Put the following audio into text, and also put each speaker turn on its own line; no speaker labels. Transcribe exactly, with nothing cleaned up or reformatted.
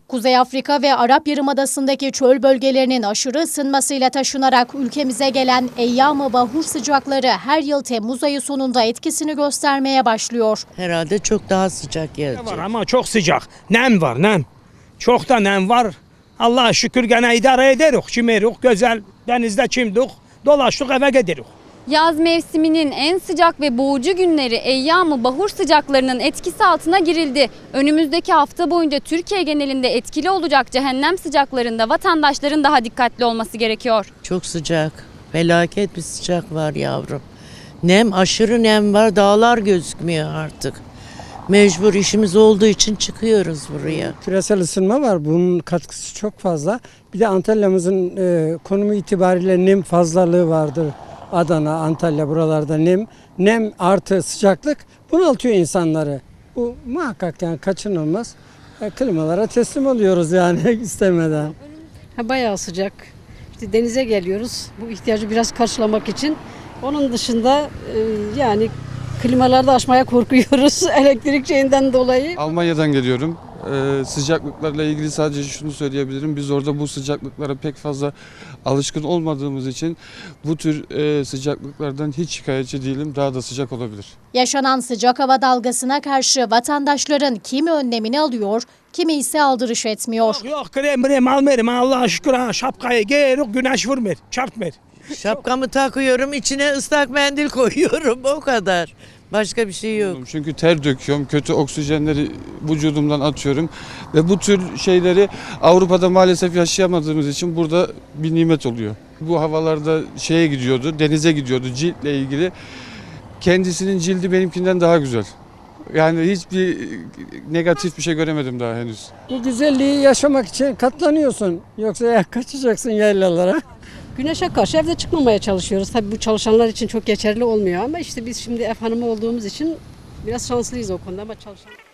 Kuzey Afrika ve Arap Yarımadası'ndaki çöl bölgelerinin aşırı ısınmasıyla taşınarak ülkemize gelen eyyam-ı bahur sıcakları her yıl Temmuz ayı sonunda etkisini göstermeye başlıyor.
Herhalde çok daha sıcak gelecek.
Var ama çok sıcak. Nem var, nem. Çok da nem var. Allah'a şükür gene idare ederiz. Çimeriz, güzel denizde çimdik, dolaştık eve gidiyoruz.
Yaz mevsiminin en sıcak ve boğucu günleri eyyam-ı bahur sıcaklarının etkisi altına girildi. Önümüzdeki hafta boyunca Türkiye genelinde etkili olacak cehennem sıcaklarında vatandaşların daha dikkatli olması gerekiyor.
Çok sıcak. Felaket bir sıcak var yavrum. Nem, aşırı nem var. Dağlar gözükmüyor artık. Mecbur işimiz olduğu için çıkıyoruz buraya.
Küresel ısınma var. Bunun katkısı çok fazla. Bir de Antalya'mızın e, konumu itibariyle nem fazlalığı vardır. Adana, Antalya buralarda nem, nem artı sıcaklık bunaltıyor insanları. Bu muhakkak yani kaçınılmaz. E, klimalara teslim oluyoruz yani istemeden.
Ha, bayağı sıcak. İşte denize geliyoruz bu ihtiyacı biraz karşılamak için. Onun dışında e, yani klimalarda açmaya korkuyoruz elektrik şeyinden dolayı.
Almanya'dan geliyorum. Ee, sıcaklıklarla ilgili sadece şunu söyleyebilirim. Biz orada bu sıcaklıklara pek fazla alışkın olmadığımız için bu tür e, sıcaklıklardan hiç şikayetçi değilim. Daha da sıcak olabilir.
Yaşanan sıcak hava dalgasına karşı vatandaşların kimi önlemini alıyor, kimi ise aldırış etmiyor.
Yok yok krem krem almayırım Allah'a şükür ha şapkayı giyiyoruz güneş vurmuyor, çarpmıyor.
Şapkamı takıyorum, içine ıslak mendil koyuyorum. O kadar. Başka bir şey yok.
Çünkü ter döküyorum. Kötü oksijenleri vücudumdan atıyorum. Ve bu tür şeyleri Avrupa'da maalesef yaşayamadığımız için burada bir nimet oluyor. Bu havalarda şeye gidiyordu, denize gidiyordu ciltle ilgili. Kendisinin cildi benimkinden daha güzel. Yani hiçbir negatif bir şey göremedim daha henüz.
Bu güzelliği yaşamak için katlanıyorsun. Yoksa ya kaçacaksın yaylalara.
Güneşe karşı evde çıkmamaya çalışıyoruz. Tabii bu çalışanlar için çok geçerli olmuyor ama işte biz şimdi ev hanımı olduğumuz için biraz şanslıyız o konuda ama çalışan